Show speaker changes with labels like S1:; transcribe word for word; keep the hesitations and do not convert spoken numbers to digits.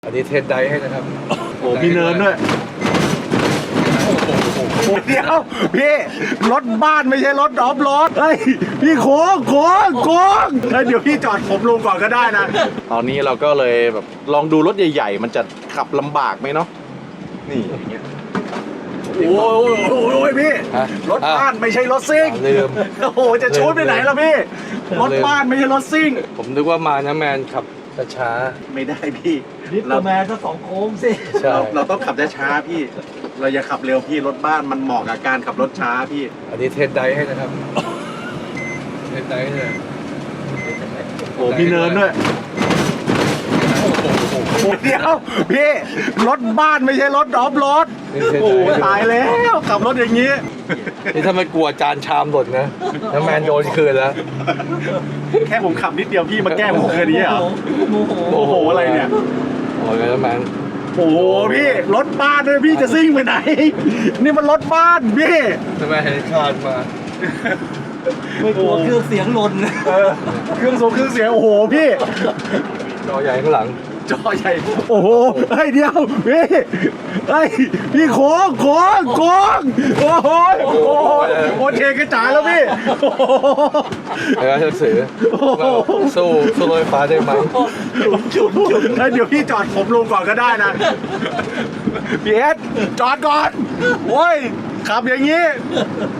S1: อันนี้เทสไดให้นะครับ
S2: โอ้มีเนินด้วยเดี๋ยวพี่รถบ้านไม่ใช่รถออฟโรดเฮ้ยพี่โค้งโค้งโค้งเฮ้ยเดี๋ยวพี่จอดผมลงก่อนก็ได้นะตอนนี้เราก็เลยแบบลองดูรถใหญ่ๆมันจะขับลำบากไหมเนาะนี่อย่างเงี้ยโอ้ยโอ้ยพี่
S1: ฮะ
S2: รถบ้านไม่ใช่รถซิ่ง
S1: ลืม
S2: โอ้โหจะชูดไปไหนล่ะพี่รถบ้านไม่ใช่รถซิ่ง
S1: ผมนึกว่ามานะแมนขับช้า
S2: ไม่ได้พี่
S3: นิดแมนก็สองโค้งสิ
S1: ๆใช่
S2: เราเราต้องขับช้าๆพี่ เราอย่าขับเร็วพี่รถบ้านมันเหมาะกับการขับรถช้าพี่
S1: อันนี้เทสไดให้นะครับเทสไดเลย
S2: โอ้มีเนินด้วยเดี๋ยวพี่รถบ้านไม่ใช่รถออฟโรด
S1: นี่เทส
S2: โอ้
S1: ได
S2: ตายแล้วขับรถอย่างนี้
S1: นี่ถ้าไม่กลัวจานชามหล่นนะน้ำแมนโดนคืนแล้ว
S2: แค่ผมขับนิดเดียวพี่มาแกล้งผมแค่นี้เหรอ
S3: โมโห
S2: โอ้โหอะไรเนี่ย
S1: โอ้ยน้ำแมน
S2: โอ้โหพี่รถบ้านด้วยพี่จะซิ่งไปไหน นี่มันรถบ้านพี่
S1: น้ำแมนเห็นคานมา
S3: ไม่กลัวเครื่องเสียงหล่น
S2: เออเครื่องสูงเครื่องเสียงโอ้โหพี่
S1: จอใหญ่ข้างหลัง
S2: จอใหญ่โอ้โหเฮ้ยเดียวพี่เฮ้ยพี่โค้งโค้งโค้งโอ้โหโอ้โหโอเทกระจายแล้วพี่โอ้โห
S1: แล้วจะสื่อสู้สู้รถไฟฟ้าได้ไหม
S2: จุดจุดแล้วเดี๋ยวพี่จอดผมลงก่อนก็ได้นะพี่เอสจอดก่อนโอ้ยขับอย่างนี้